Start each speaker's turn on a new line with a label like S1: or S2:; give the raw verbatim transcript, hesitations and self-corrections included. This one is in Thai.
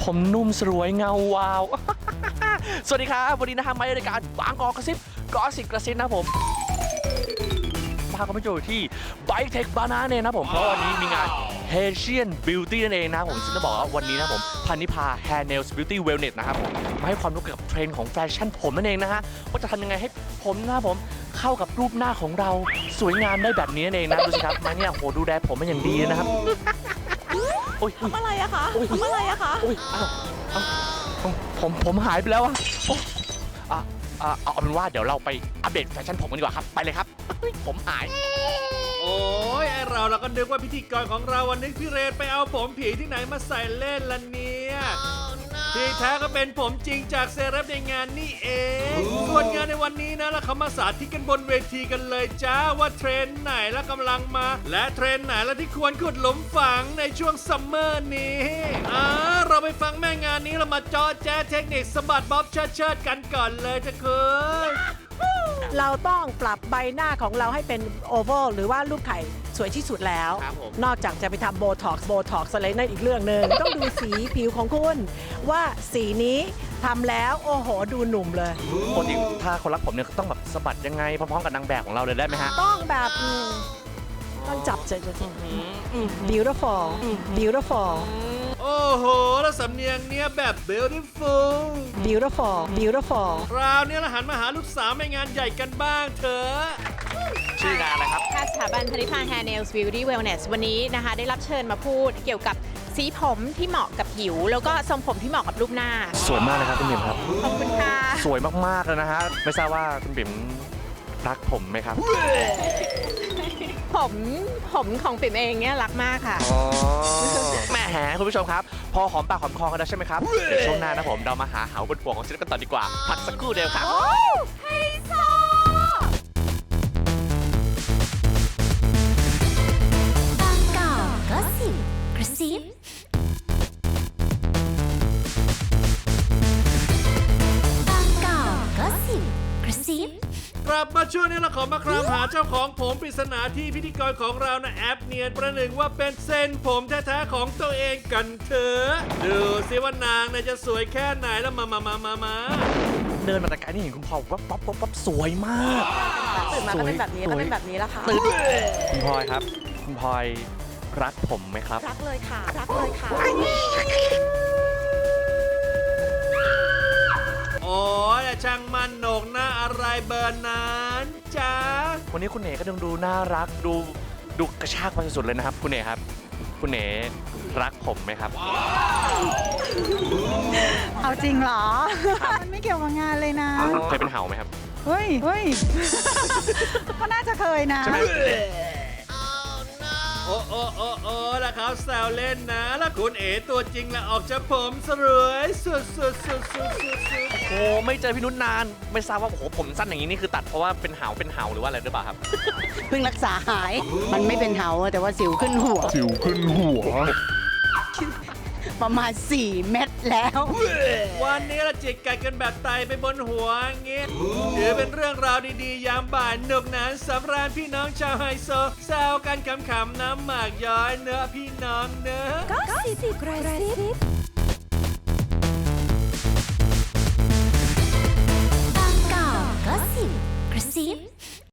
S1: ผมนุ่มสรวยเงาวาว สวัสดีครับวันนี้นะครับมาในรายการบางกอกกระซิบกอสิบกระซิบนะผมพาคุณผู้ชมอยู่ที่ Bike Tech Banana เนี่ยนะผมเพราะวันนี้มีงาน Haitian Beauty นั่นเองนะผมซึ่งจะบอกว่าวันนี้นะผมพันนิพา Hair Nails Beauty Wellness นะครับผมมาให้ความรู้เกี่ยวกับเทรนด์ของแฟชั่นผมนั่นเองนะฮะว่าจะทำยังไงให้ผมนะผมเข้ากับรูปหน้าของเราสวยงามได้แบบนี้นั่นเองนะดูสิครับมาเนี่ยโหดูแลผมมาอย่างดีนะครับ
S2: ทำอะไรอะคะทำอะไรอะคะ
S1: อุ้ยอ้าวผมผมผมหายไปแล้วอะอ่ะอ่ะเอาเป็นว่าเดี๋ยวเราไปอัปเดตแฟชั่นผมกันดีกว่าครับไปเลยครับผมหาย
S3: โอ้ยไอเราเราก็นึกว่าพิธีกรของเราวันนี้พี่เรนไปเอาผมผีที่ไหนมาใส่เล่นล่ะเนี่ยที่แท้ก็เป็นผมจริงจากเซเลบในงานนี่เองส่วนงานในวันนี้นะเราเขามาสาธิตกันบนเวทีกันเลยจ้าว่าเทรนไหนแล้วกำลังมาและเทรนไหนแล้วที่ควรขุดหลุมฝังในช่วงซัมเมอร์นี้อ่าเราไปฟังแม่งานนี้เรามาเจาะแจ๊เทคนิคสะบัดบ๊อบเชิดเชิดกันก่อนเลยจะคือ
S2: เราต้องปรับใบหน้าของเราให้เป็นโอเวลหรือว่ารูปไข่สวยที่สุดแล้วนอกจากจะไปทำโบท็อกซ์โบท็อกซ์อะไรนั่นอีกเรื่องหนึ่งต้องดูสีผิวของคุณว่าสีนี้ทำแล้วโอ้โหดูหนุ่มเลย
S1: ปกติถ้าคนรักผมเนี่ยต้องแบบสะบัดยังไงพร้อมๆกับนางแบบของเราเลยได้ไหมฮะ
S2: ต้องแบบต้องจับเจอ beautiful beautiful
S3: โอ้โหแล้วสำเนียงเนี้ยแบบ beautiful
S2: beautiful beautiful
S3: คราวนี้เราหันมาหาลูกสาวในงานใหญ่กันบ้างเถอะ
S1: ชื่องานอะไรครับ
S4: สถาบันพันนิพา Hair Nails Beauty Wellness วันนี้นะคะได้รับเชิญมาพูดเกี่ยวกับสีผมที่เหมาะกับผิวแล้วก็ทรงผมที่เหมาะกับรูปหน้า
S1: สวยมากเลยครับคุณบิ่มครับ
S4: ขอบคุณค่ะ
S1: สวยมากๆเลยนะฮะไม่ทราบว่าคุณบิ่มรักผมไหมครับ
S4: ผมผมของปิ่มเองเนี่ยรักมากค่ะ
S1: แม่แหมคุณผู้ชมครับพอหอมปากหอมคอกันแล้วใช่ไหมครับเดี๋ยวช่วงหน้านะผมเรามาหาเหาบนหัวของศิลป์กันต่อดีกว่าพักสักครู่เดียวครับ
S4: ไฮโซ
S5: บางกอกก็สิบกระซิบางกอกก็สิบกระซิบ
S3: กลับมาช่วงนี้เราขอมาครามหาเจ้าของผมปริศนาที่พิธีกรของเรานะแอปเนียนประหนึ่งว่าเป็นเส้นผมแท้ๆของตัวเองกันเถอะดูสิว่านางจะสวยแค่ไหนแล้วมามามามามา
S1: เดินมาแต่ไกลนี่เห็นคุณพลอยวับวับวับวับสวยมาก
S2: ตื่นมาก็เป็นแบบนี้ก็เป็นแบบนี้แล้วค่ะ
S1: คุณพลอยครับคุณพลอยรักผมไหมครับ
S2: รักเลยค่ะรักเลยค่ะ
S3: โอ้ยช่างมันโหนกหน้าอะไรเบอร์นั้นจ้า
S1: วันนี้คุณเอ๋ก็ดูดูน่ารักดูดูกระชากไปสุดๆเลยนะครับคุณเอ๋ครับคุณเอ๋รักผมไหมครับ
S6: เอาจริงเหรอมันไม่เกี่ยวกับงานเลยนะ
S1: เคยเป็นเห่าไหมครับ
S6: เฮ้ยเฮ้ยก็น่าจะเคยนะ
S3: โอ้โอ้โอ้โอ้แล้วเขาแซวเล่นนะแล้วคุณเอ๋ตัวจริงละออกจากผมสรวยสุดสุดสุดสุดสุดสุด
S1: โอ้ไม่เจอพี่นุชนานไม่ทราบว่าโอ้โหผมสั้นอย่างนี้นี่คือตัดเพราะว่าเป็นเห่าเป็นเห่าหรือว่าอะไรหรือเปล่าครับ
S6: เพิ่งรักษาหายมันไม่เป็นเห่าแต่ว่าสิวขึ้นหัว
S1: สิวขึ้นหัว
S6: ประมาณสี่เม็ดแล้ว
S3: วันนี้เราจิกกัดกันแบบไตไปบนหัวงี้ถือเป็นเรื่องราวดีๆยามบ่ายหนุกหนานสำราญพี่น้องชาวไฮโซแซวกันขำๆน้ำหมากย้อยเนื้อพี่น้องเนื้อ
S5: ก็สิบกระซิบบางกอกก็สิบกระซิบ